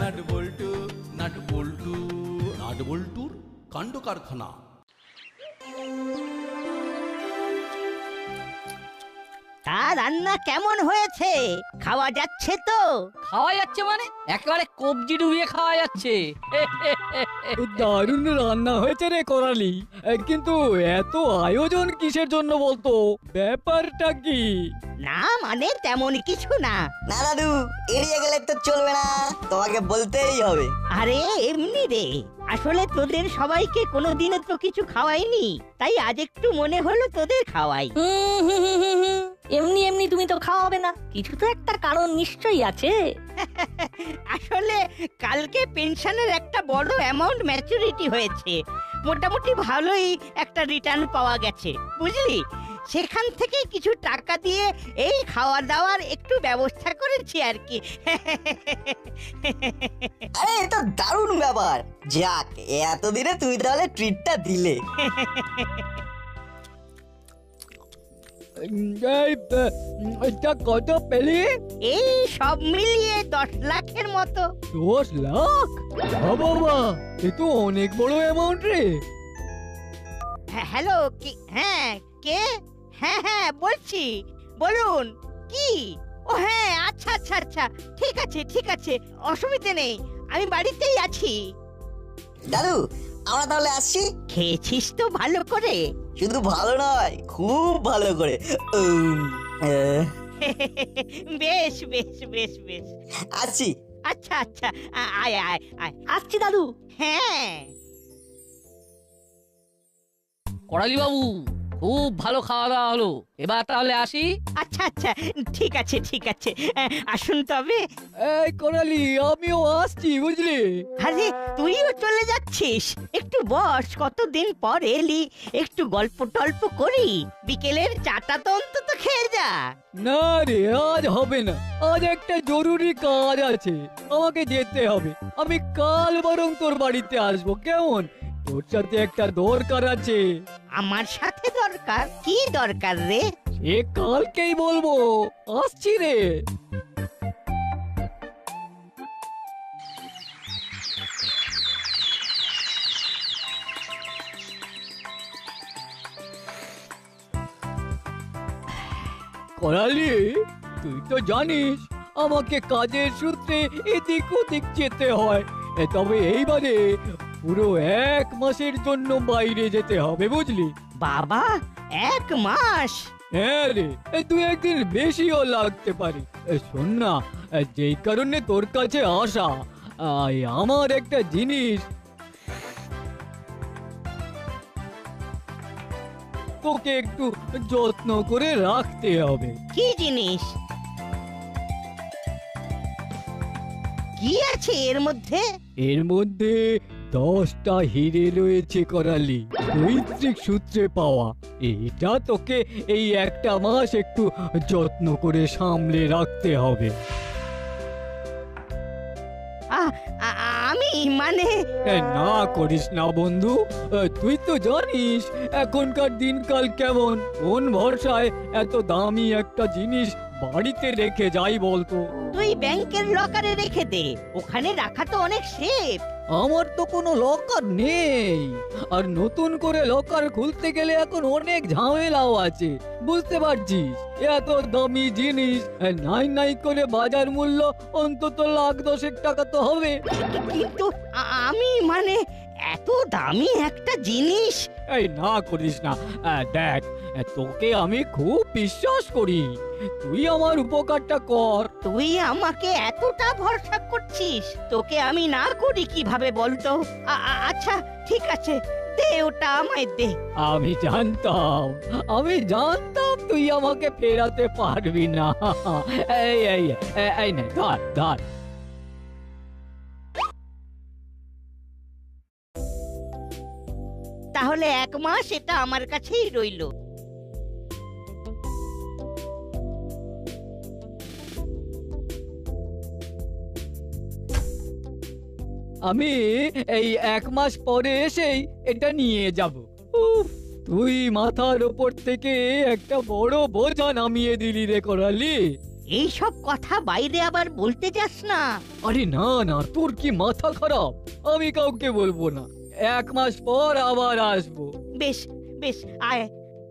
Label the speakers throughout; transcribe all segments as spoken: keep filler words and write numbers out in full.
Speaker 1: Nut বল্টু nut বল্টু nut বল্টুর কাণ্ড কারখানা।
Speaker 2: তা রান্না কেমন হয়েছে? খাওয়া যাচ্ছে তো?
Speaker 3: খাওয়া যাচ্ছে মানে একেবারে কবজি ডুবিয়ে খাওয়া যাচ্ছে।
Speaker 4: দারুণ রান্না হয়েছে রে করালি, কিন্তু এত আয়োজন কিসের জন্য বলতো? ব্যাপারটা কি?
Speaker 2: না মানে তেমন কিছু না।
Speaker 5: না দাদু, এড়িয়ে গেলে তো চলবে না, তোমাকে বলতেই হবে।
Speaker 2: আরে এমনি রে, আসলে তোদের সবাইকে কোনোদিনও তো কিছু খাওয়াইনি, তাই আজ একটু মনে হলো তোদের খাওয়াই।
Speaker 6: হুম, হুম, হুম, হুম, হুম। এমনি এমনি তুমি তো খাওয়াবে না, কিছু তো একটা কারণ নিশ্চয়ই আছে।
Speaker 2: আসলে কালকে পেনশনের একটা বড় অ্যামাউন্ট ম্যাচুরিটি হয়েছে, মোটামুটি ভালোই একটা রিটার্ন পাওয়া গেছে বুঝলি। সেখান থেকে কিছু টাকা দিয়ে এই খাওয়া দাওয়ার একটু ব্যবস্থা করেছি আর কি।
Speaker 5: আরে এটা দারুণ ব্যাপার। যাক, এতদিনে তুমি তাহলে ট্রিটটা দিলে।
Speaker 4: এটা কত পেলি?
Speaker 2: এই সব মিলিয়ে দশ লাখের মতো।
Speaker 4: দশ লাখ? বাবা, এ তো অনেক বড় অ্যামাউন্ট রে।
Speaker 2: হ্যাঁ, হ্যালো, কি? হ্যাঁ, কে? হ্যাঁ হ্যাঁ বলছি, বলুন কি? ও হ্যাঁ, আচ্ছা আচ্ছা আচ্ছা, ঠিক আছে ঠিক আছে, অসুবিধে নেই, আমি বাড়িতেই আছি।
Speaker 5: দাদু, আমরা তাহলে আসছি।
Speaker 2: খেয়েছিস তো ভালো করে?
Speaker 5: শুধু ভালো নয়, খুব ভালো করে। উম, আহ,
Speaker 2: বেশ বেশ বেশ বেশ,
Speaker 5: আসছি।
Speaker 2: আচ্ছা আচ্ছা, আ- আয় আয় আয়।
Speaker 6: আসছি দাদু।
Speaker 2: হ্যাঁ
Speaker 3: করালি বাবু, খুব ভালো খাওয়া দাওয়া হলো, এবার তাহলে আসি।
Speaker 2: আচ্ছা আচ্ছা, ঠিক আছে ঠিক আছে, আ, আসুন তবে।
Speaker 4: এই করালি, আমিও আসছি বুঝলি।
Speaker 2: আরে তুইও চলে যাচ্ছিস? একটু বস, কতদিন পর এলি, একটু গল্প টল্প করি, বিকেলের চাটা তো অন্তত খেয়ে যা।
Speaker 4: না রে, আজ হবে না, আজ একটা জরুরি কাজ আছে, আমাকে যেতে হবে। আমি কাল বরং তোর বাড়িতে আসবো, কেমন? তোর সাথে একটা দরকার আছে।
Speaker 2: আমার সাথে দরকার? কি দরকার রে?
Speaker 4: এ কালকেই বলবো, আসছি রে। করালি, তুই তো জানিস আমাকে কাজের সূত্রে এদিক ওদিক যেতে হয়, এ তবে এইবারে পুরো এক মাসের জন্য বাইরে যেতে হবে বুঝলি।
Speaker 2: বাবা, এক মাস?
Speaker 4: হ্যাঁ রে, এ তুই একদিন বেশিও লাগতে পারে। এ শোন না, এ যেই কারণে তোর কাছে আসা, আই, আমার একটা জিনিস তোকে একটু যত্ন করে রাখতে হবে।
Speaker 2: কি জিনিস? কি আছে এর মধ্যে?
Speaker 4: এর মধ্যে দশটা হিরে রয়েছে করালি, পৈতৃক সূত্রে পাওয়া। এটা তোকে এই একটা মাস একটু যত্ন করে সামলে রাখতে হবে।
Speaker 2: আ- আ- আমি মানে
Speaker 4: এ, না করিস না বন্ধু, এ, তুই তো জানিস এখনকার দিনকাল কেমন, কোন ভরসায় এত দামি একটা জিনিস বাড়িতে রেখে যাই বলতো।
Speaker 2: তুই ব্যাংকের লকারে রেখে দে, ওখানে রাখা তো অনেক সেফ।
Speaker 4: আমার তো কোনো লকার নেই, আর নতুন করে লকার খুলতে গেলে এখন অনেক ঝামেলাও আছে, বুঝতে পারছিস। এত দামি জিনিস, এ, নাই নাই করে বাজার মূল্য অন্তত লাখ দশেক টাকা তো হবে।
Speaker 2: কিন্তু আ- আমি মানে এত দামি একটা জিনিস।
Speaker 4: এই না করিস না, এ, দেখ, এ, তোকে আমি খুব বিশ্বাস করি, তুই আমার উপকারটা কর।
Speaker 2: তুই আমাকে এতটা ভরসা করছিস, তোকে আমি না করি কিভাবে বলতো? আ- আ- আচ্ছা ঠিক আছে, দে ওটা আমায় দে।
Speaker 4: আমি জানতাম, আমি জানতাম তুই আমাকে ফেরাতে পারবি না। এই এই এই- এই নে, ধর ধর।
Speaker 2: তাহলে এক মাস এটা আমার কাছেই রইলো।
Speaker 4: আমি এই এক মাস পরে এসেই এটা নিয়ে যাব। উফ, তুই মাথার ওপর থেকে একটা বড় বোঝা নামিয়ে দিলি রে করালি।
Speaker 2: এই সব কথা বাইরে আবার বলতে যাস না।
Speaker 4: আরে না না, তোর কি মাথা খারাপ? আমি কাউকে বলবো না, এক মাস পর আবার আসবো।
Speaker 2: বেশ বেশ, আয়।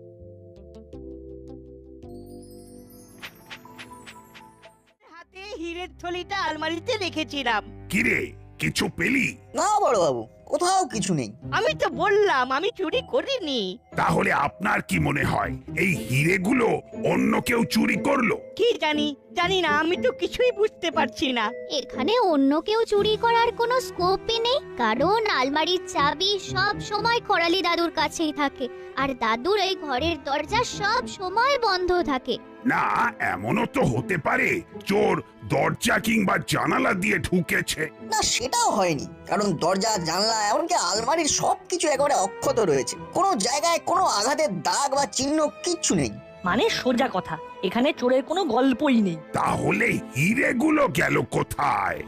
Speaker 2: হাতে হীরের থলিটা আলমারিতে রেখেছিলাম।
Speaker 7: কিরে কিছু পেলি?
Speaker 5: না বড়বাবু, কোথাও কিছু নেই।
Speaker 2: আমি তো বললাম আমি চুরি করিনি।
Speaker 7: তাহলে আপনার কি মনে হয় এই হিরেগুলো অন্য কেউ চুরি করলো?
Speaker 2: কি জানি জানি না, আমি তো কিছুই বুঝতে পারছি না।
Speaker 8: এখানে অন্য কেউ চুরি করার কোনো স্কোপই নেই, কারণ আলমারির চাবি সব সময় করালি দাদুর কাছেই থাকে, আর দাদুর এই ঘরের দরজা সব সময় বন্ধ থাকে।
Speaker 7: না, এমনও তো হতে পারে চোর দরজা কিংবা জানালা দিয়ে ঢুকেছে।
Speaker 5: না, সেটাও হয়নি, কারণ দরজা জানলা এমনকি আলমারির সবকিছু একেবারে অক্ষত রয়েছে। কোনো জায়গায় কোনো আঘাতের দাগ বা চিহ্ন কিচ্ছু নেই।
Speaker 6: মানে সোজা কথা, এখানে চোরের কোনো গল্পই নেই।
Speaker 7: তাহলে হিরেগুলো গেল কোথায়?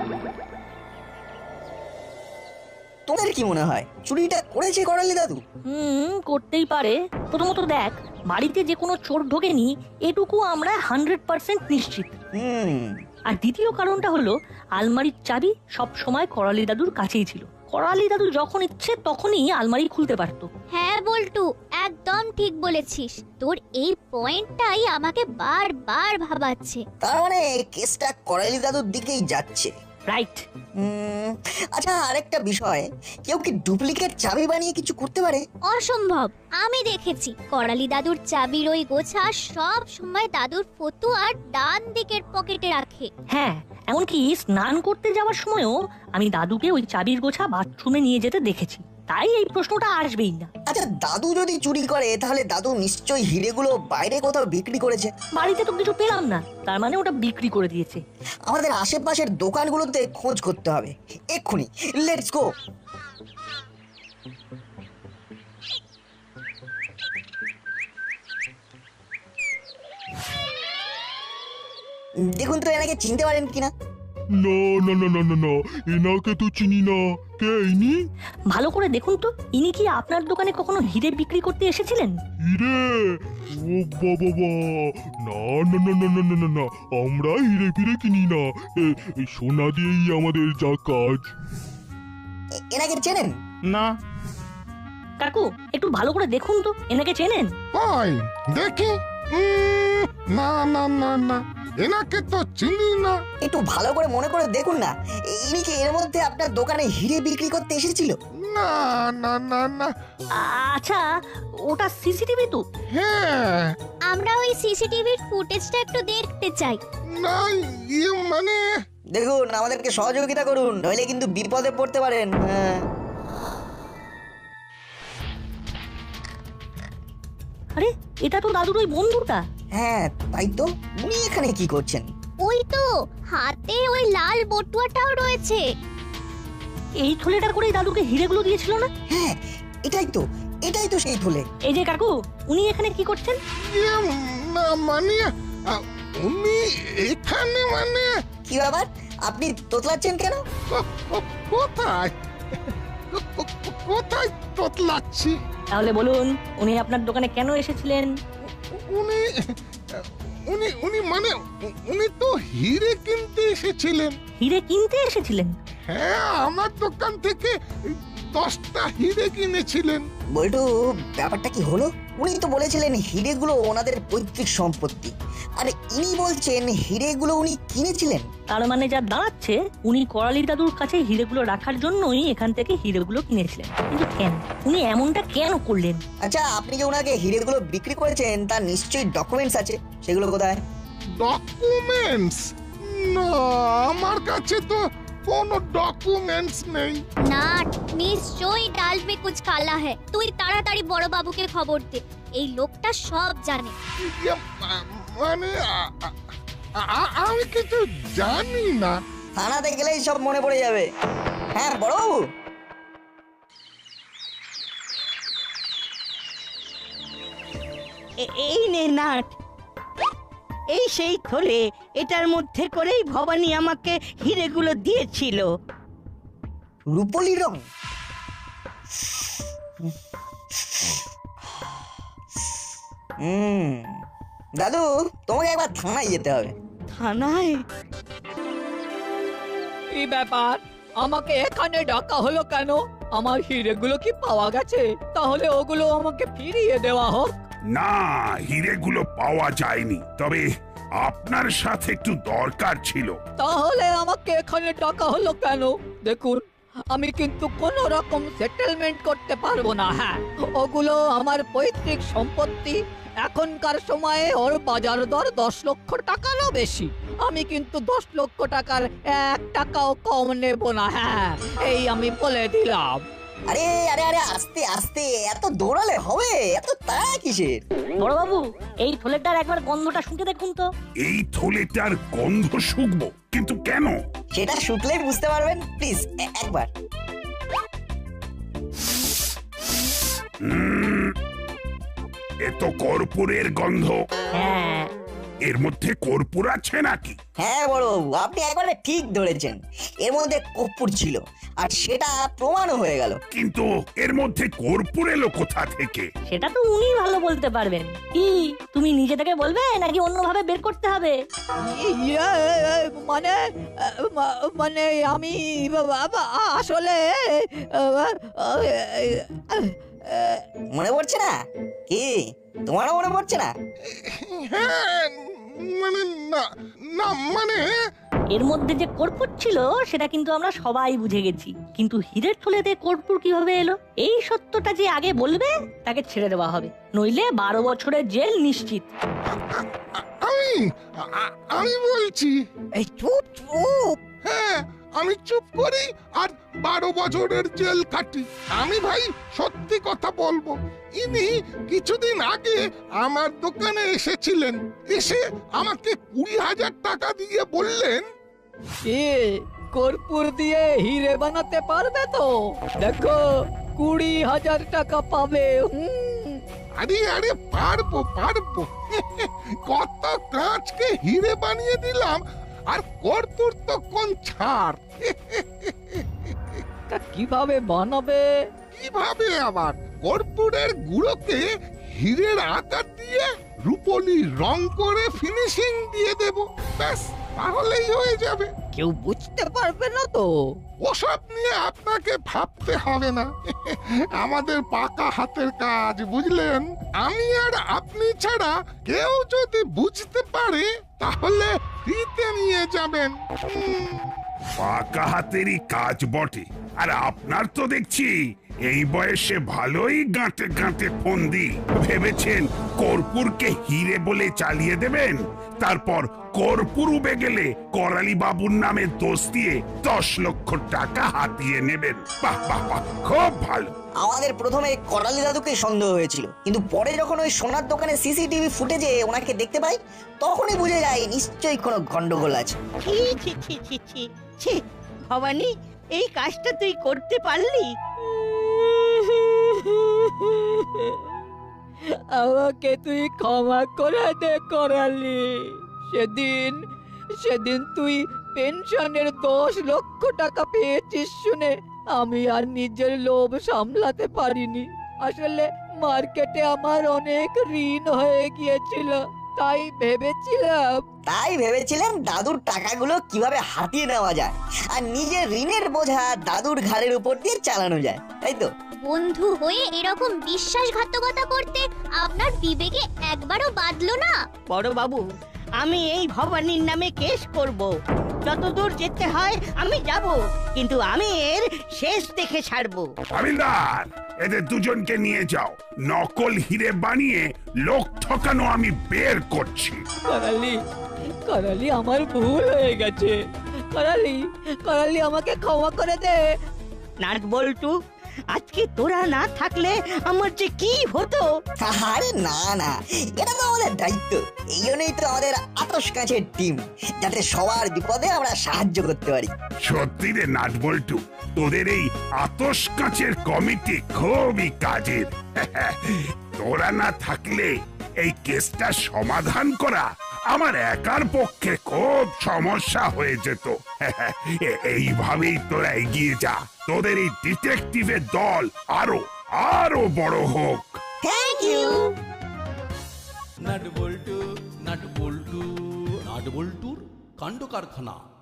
Speaker 5: তোদের কি মনে হয় চুরিটা করেছে করালি দাদু?
Speaker 6: হুম, করতেই পারে। প্রথমত দেখ, বাড়িতে যে কোনো চোর ঢোকেনি এটুকু আমরা হান্ড্রেড পার্সেন্ট নিশ্চিত।
Speaker 5: হুম
Speaker 6: আর দ্বিতীয় কারণটা হলো আলমারির চাবি সব সময় করালি দাদুর কাছেই ছিল। করালি দাদু যখন ইচ্ছে তখনই আলমারি খুলতে পারতো।
Speaker 8: হ্যাঁ বল্টু, একদম ঠিক বলেছিস। তোর এই পয়েন্টটাই আমাকে বারবার ভাবাচ্ছে।
Speaker 5: তার মানে কেসটা করালি দাদুর দিকেই যাচ্ছে।
Speaker 6: রাইট।
Speaker 5: হুম, আচ্ছা, আরেকটা বিষয়, কেউ কি ডুপ্লিকেট চাবি বানিয়ে কিছু করতে পারে?
Speaker 8: অসম্ভব। আমি দেখেছি করালি দাদুর চাবির ওই গোছা সব সময় দাদুর ফতুয়ার ডান দিকের পকেটে রাখে।
Speaker 6: হ্যাঁ, এমনকি স্নান করতে যাওয়ার সময়ও আমি দাদুকে ওই চাবির গোছা বাথরুমে নিয়ে যেতে দেখেছি। তাই এই প্রশ্নটা আসবেই না।
Speaker 5: আচ্ছা, দাদু যদি চুরি করে তাহলে দাদু নিশ্চয়ই হিরেগুলো বাইরে কোথাও বিক্রি করেছে।
Speaker 6: বাড়িতে তো কিছু পেলাম না, তার মানে ওটা বিক্রি করে দিয়েছে।
Speaker 5: আমাদের আশেপাশের দোকানগুলোতে খোঁজ করতে হবে এক্ষুনি। Let's go. দেখুন তো এনাকে চিনতে পারেন কিনা।
Speaker 9: না না না না না না, এনাকে তো চিনি না। কে ইনি?
Speaker 6: ভালো করে দেখুন তো, ইনি কি আপনার দোকানে কখনো হিরে বিক্রি করতে এসেছিলেন?
Speaker 9: হিরে? ও বাবা বা, না না না না না না না না, আমরা হিরে ফিরে কিনি না। এ- এই সোনা দিয়েই আমাদের যা কাজ।
Speaker 5: এ- এনাকে চেনেন?
Speaker 10: না।
Speaker 6: কাকু, একটু ভালো করে দেখুন তো, এনাকে চেনেন?
Speaker 10: ওই দেখি। উম, না না না না, এনাকে তো চিনি না।
Speaker 5: একটু ভালো করে মনে করে দেখুন না, ইনি কি এর মধ্যে আপনার দোকানে হিরে বিক্রি করতে এসেছিল?
Speaker 10: না না না না।
Speaker 6: আচ্ছা, ওটা সিসিটিভি তো?
Speaker 10: হ্যাঁ।
Speaker 8: আমরা ওই সিসিটিভির ফুটেজটা একটু দেখতে চাই।
Speaker 10: না, ইয়ে মানে
Speaker 5: দেখুন, আমাদেরকে সহযোগিতা করুন, নইলে কিন্তু বিপদে পড়তে পারেন। হ্যাঁ।
Speaker 6: আরে, এটা তো দাদুর ওই বন্ধুটা।
Speaker 5: হ্যাঁ, তাই তো। উনি এখানে কি করছেন?
Speaker 8: ওই তো হাতে ওই লাল বটুয়াটাও রয়েছে।
Speaker 6: এই থলেটা করেই দাদুকে হিরেগুলো দিয়েছিল না?
Speaker 5: হ্যাঁ, এটাই তো, এটাই তো সেই থলে।
Speaker 6: এই যে কাকু, উনি এখানে কি করছেন?
Speaker 10: ইয়ে না মানে আ, উনি এখানে মানে
Speaker 5: কি ব্যাপার, আপনি তোতলাচ্ছেন কেন?
Speaker 10: কো- কো- কোথায় কো- কো- কোথায় তোতলাচ্ছি?
Speaker 6: তাহলে বলুন, উনি আপনার দোকানে কেন এসেছিলেন?
Speaker 10: উনি উনি উনি মানে উ- উনি তো হিরে কিনতে এসেছিলেন।
Speaker 6: হিরে কিনতে এসেছিলেন?
Speaker 10: হ্যাঁ, আমার দোকান থেকে দশটা হিরে কিনেছিলেন।
Speaker 5: বল্টু, ব্যাপারটা কি হলো? উনি তো বলেছিলেন হিরেগুলো ওনাদের পৈতৃক সম্পত্তি, আর ইনি বলছেন হিরেগুলো উনি কিনেছিলেন।
Speaker 6: তার মানে যা দাঁড়াচ্ছে, উনি করালি দাদুর কাছে হিরেগুলো রাখার জন্যই এখান থেকে হিরেগুলো কিনেছিলেন। কিন্তু কেন? উনি এমনটা কেন করলেন?
Speaker 5: আচ্ছা, আপনি যে ওনাকে হিরেগুলো বিক্রি করেছেন তার নিশ্চয়ই ডকুমেন্টস আছে, সেগুলো কোথায়?
Speaker 10: ডকুমেন্টস? না, আমার কাছে তো কোনো ডকুমেন্টস নেই।
Speaker 8: না, নিশ্চয়ই ডাল মে কুছ কালা है। তুই তাড়াতাড়ি বড় বাবুকে খবর দে, এই লোকটা সব জানে।
Speaker 10: ইয়ে, মা- মানে আ- আ- আ- আমি কিছু জানি না।
Speaker 5: থানাতে গেলেই সব মনে পড়ে যাবে। হ্যাঁ বড়বাবু।
Speaker 2: এ- এই নে নাট, এই সেই থলে। এটার মধ্যে করেই ভবানী আমাকে হিরেগুলো দিয়েছিল।
Speaker 5: রূপলি রং। হুম, দাদু তোমাকে একবার থানায় যেতে হবে।
Speaker 2: থানায়?
Speaker 4: কি ব্যাপার, আমাকে এখানে ডাকা হলো কেন? আমার হিরেগুলো কি পাওয়া গেছে? তাহলে ওগুলো আমাকে ফিরিয়ে দেওয়া হোক।
Speaker 7: না, হিরেগুলো পাওয়া যায়নি, তবে আপনার সাথে একটু দরকার ছিল।
Speaker 4: তাহলে আমাকে এখানে ডাকা হলো কেন? দেখুন, আমি কিন্তু কোনো রকম সেটেলমেন্ট করতে পারবো না। হ্যাঁ, ওগুলো আমার পৈতৃক সম্পত্তি। এখনকার সময়ে ওর বাজার দর দশ লক্ষ টাকারও বেশি। আমি কিন্তু দশ লক্ষ টাকার এক টাকাও কম নেব না। হ্যাঁ, এই আমি বলে দিলাম।
Speaker 5: আরে আরে আরে আস্তে আস্তে, এত দৌড়ালে হবে? এত তাড়া কিসের?
Speaker 6: বড়বাবু, এই থলেটার একবার গন্ধটা শুঁকে দেখুন তো।
Speaker 7: এই থলেটার গন্ধ শুকবো, কিন্তু কেন?
Speaker 5: সেটা শুকলেই বুঝতে পারবেন। প্লিজ একবার।
Speaker 7: উম, এ তো কর্পূরের গন্ধ।
Speaker 6: হ্যাঁ,
Speaker 7: এর মধ্যে কর্পূর আছে নাকি?
Speaker 5: হ্যাঁ বড়বাবু, আপনি একবারে ঠিক ধরেছেন। এর মধ্যে কর্পূর ছিল, আর সেটা প্রমাণও হয়ে গেল।
Speaker 7: কিন্তু এর মধ্যে কর্পূর এলো কোথা থেকে?
Speaker 6: সেটা তো উনি ভালো বলতে পারবেন। কি তুমি নিজে থেকে বলবে নাকি অন্যভাবে বের করতে হবে?
Speaker 4: ইয়ে, মানে মা- মানে আমি বাবা আসলে
Speaker 5: মনে পড়ছে না? কি তোমারও মনে পড়ছে না?
Speaker 10: হ্যাঁ, মানে না না মানে
Speaker 6: এর মধ্যে যে কর্পূর ছিল সেটা কিন্তু আমরা সবাই বুঝে গেছি, কিন্তু হীরের থলেতে কর্পূর কিভাবে এলো এই সত্যটা যে আগে বলবে তাকে ছেড়ে দেওয়া হবে, নইলে বারো বছরের জেল নিশ্চিত।
Speaker 10: আমি আ- আমি বলছি।
Speaker 2: এই চুপ চুপ।
Speaker 10: হ্যাঁ, আমি চুপ করি আর বারো বছরের জেল কাটি। আমি ভাই সত্যি কথা বলবো, ইনি কিছুদিন আগে আমার দোকানে এসেছিলেন। এসে আমাকে কুড়ি হাজার টাকা দিয়ে বললেন,
Speaker 4: এ কর্পূর দিয়ে হিরে বানাতে পারবে তো? দেখো, কুড়ি হাজার টাকা পাবে। হুম,
Speaker 10: আরে আরে পারবো পারবো কত কাঁচকে হিরে বানিয়ে দিলাম, আর কর্পূর তো কোন ছাড়।
Speaker 4: তা কিভাবে বানাবে?
Speaker 10: কিভাবে আবার? কর্পূরের গুঁড়োকে হীরের আকার দিয়ে রূপলি রং করে ফিনিশিং দিয়ে দেব, ব্যাস তাহলেই হয়ে যাবে।
Speaker 4: কেউ বুঝতে পারবে না তো?
Speaker 10: ওসব নিয়ে আপনাকে ভাবতে হবে না, আমাদের পাকা হাতের কাজ, বুঝলেন? আমি আর আপনি ছাড়া কেউ যদি বুঝতে পারে তাহলে ফ্রিতে নিয়ে যাবেন। হুম,
Speaker 7: পাকা হাতেরই কাজ বটে। আর আপনার তো দেখছি এই বয়সে ভালোই গাঁটে গাঁটে ফন্দি। ভেবেছেন কর্পূরকে হিরে বলে চালিয়ে দেবেন, তারপর কর্পূর উবে গেলে করালি বাবুর নামে দোষ দিয়ে দশ লক্ষ টাকা হাতিয়ে নেবেন। বাহ বাহ বাহ, খুব ভালো।
Speaker 5: আমাদের প্রথমে করালি দাদুকে সন্দেহ হয়েছিল, কিন্তু পরে যখন ওই সোনার দোকানে সিসিটিভি ফুটেজে ওনাকে দেখতে পাই, তখনই বুঝে যায় নিশ্চয়ই কোনো গন্ডগোল আছে।
Speaker 2: ছি ছি ছি ছি ছি ছি ভবানী, এই কাজটা তুই করতে পারলি?
Speaker 4: আমাকে তুই ক্ষমা করে দে করালি। সেদিন সেদিন তুই পেনশনের দশ লক্ষ টাকা পেয়েছিস শুনে আমি আর নিজের লোভ সামলাতে পারিনি। আসলে মার্কেটে আমার অনেক ঋণ হয়ে গিয়েছিল, তাই ভেবেছিলাম
Speaker 5: তাই ভেবেছিলেন দাদুর টাকাগুলো কিভাবে হাতিয়ে নেওয়া যায়, আর নিজের ঋণের বোঝা দাদুর ঘাড়ের উপর দিয়ে চালানো যায়, তাই তো?
Speaker 8: বন্ধু হয়ে এরকম বিশ্বাসঘাতকতা করতে আপনার বিবেকে একবারও বাঁধলো না?
Speaker 2: বড় বাবু, আমি এই ভবানীর নামে কেস করব। যতদূর যেতে হয় আমি যাব, কিন্তু আমি এর শেষ দেখে ছাড়বো।
Speaker 7: হাবিলদার, এদের দুজনকে নিয়ে যাও। নকল হিরে বানিয়ে লোক ঠকানো আমি বের করছি।
Speaker 4: করালি, করালি আমার ভুল হয়ে গেছে। করালি, করালি আমাকে ক্ষমা করে দে।
Speaker 2: নাট বল্টু, আজকে তোরা না থাকলে আমার যে কি হতো।
Speaker 5: আরে না না, এটা তো আমাদের দায়িত্ব। এই জন্যই তো আমাদের আতস কাছের টিম, যাতে সবার বিপদে আমরা সাহায্য করতে পারি।
Speaker 7: সত্যি রে নাটবল্টু, তোদের এই আতস কাঁচের কমিটি খুবই কাজের। তোরা না থাকলে এই কেসটা সমাধান করা আমার একার পক্ষে খুব সমস্যা হয়ে যেত। এইভাবেই তোরা এগিয়ে যা, তোদের এই ডিটেকটিভের দল আরো আরো বড় হোক।
Speaker 5: Thank you.
Speaker 1: নাট বল্টু নাট বল্টু নাট বল্টুর কাণ্ড কারখানা।